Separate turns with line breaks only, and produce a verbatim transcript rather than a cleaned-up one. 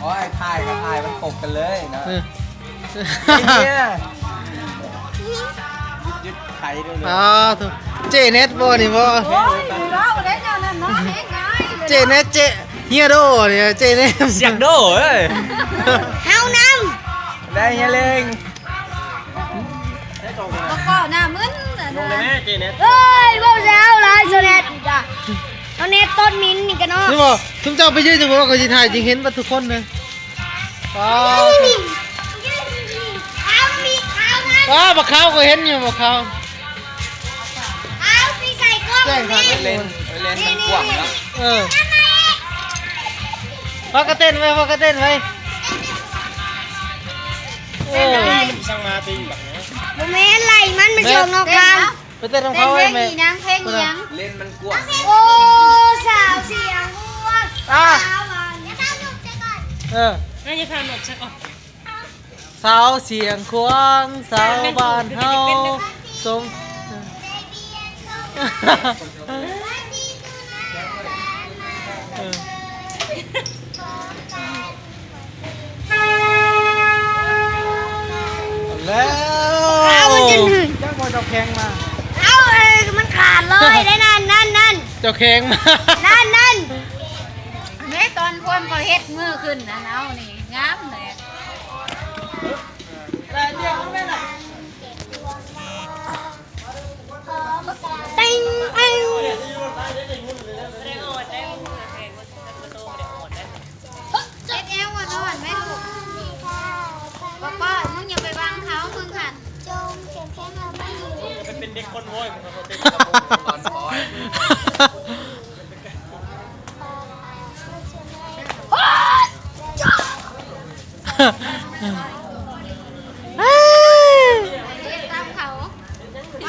อ๋อไอ้ถ่ายกับถ่ายมันปกกันเลยนะ
เออ
ไอ้เนี่ยยึดไถด้วยเลย
อ๋อถูกเจเน็ตบ่นี่บ่
โอ้ยเราเล่นอย่างนั้นเนาะเฮ้ยง่าย
เจเน็ตเจเฮียโดเนี่ยเจเน็ต
เสียงโดเอ้ย
เฮาน
ได้เฮียเล้ง
ำก็ก็หน้ามึนนะ
ลงเลยแม่เจเน็ต
เฮ้ยบ่เช้าลายโซเน็ตจ้ะเอาเน็ตต้นมินนี่กันเนาะ
นี่บ่ทุกเจ้าไปยืนจังบ่ก็สิถ่ายจริงเห็นบ่ทุกคนเลยว้าว
เอามีเอานะ
ว้าวบักขาวก็เห็นอยู่บักขาว
เอาไปใส่กล้อง
แจ้งทาง
ไป
ให้
เล่นไปเล่นมันกว้างแล้ว
เออพากระเต้นไว้พากระเต้นไว้เออ
สั่งมาตีแบบนี้
บ่แม่นไหลมันมันชมนอกกลาง
ไปเต้นของ
เต้น
เขา
เพล
ไว้
ง
ไหม
อีนางเพลงอีหยัง
เล่นมันกว้าง
โอ้สาวเสียงอ้วน
อ่ะ
สาวหวานอย่าตั้งลูกเจ๊ก่อน
เออ
น่าจะทำหมดใช่ก่อน
สาวเสียงควางสาวบ้านเฮาสมเออแล้ว
เอามันจะหนึ่ง
จ้างบอลเจ้าแข้งมา
เอาเอ้ยมันขาดเลยได้นั่นนั่นนั่น
เจ้าแข้งมา
นั่นนั่นแม่ตอนคนก็เฮ็ดมือขึ้นนะเอานี่งามเลย ติ้งเอ้ยเจ็บเอวอ่ะนอนไหมลูกป้าป้ามึงอย่าไปวางเท้ามึงค่ะจงเก็บแค่มาไม่อยู่
เป็นเด็กคนโว้ยมันเขาเป็นตอนคอย
โอ๊ยจ้า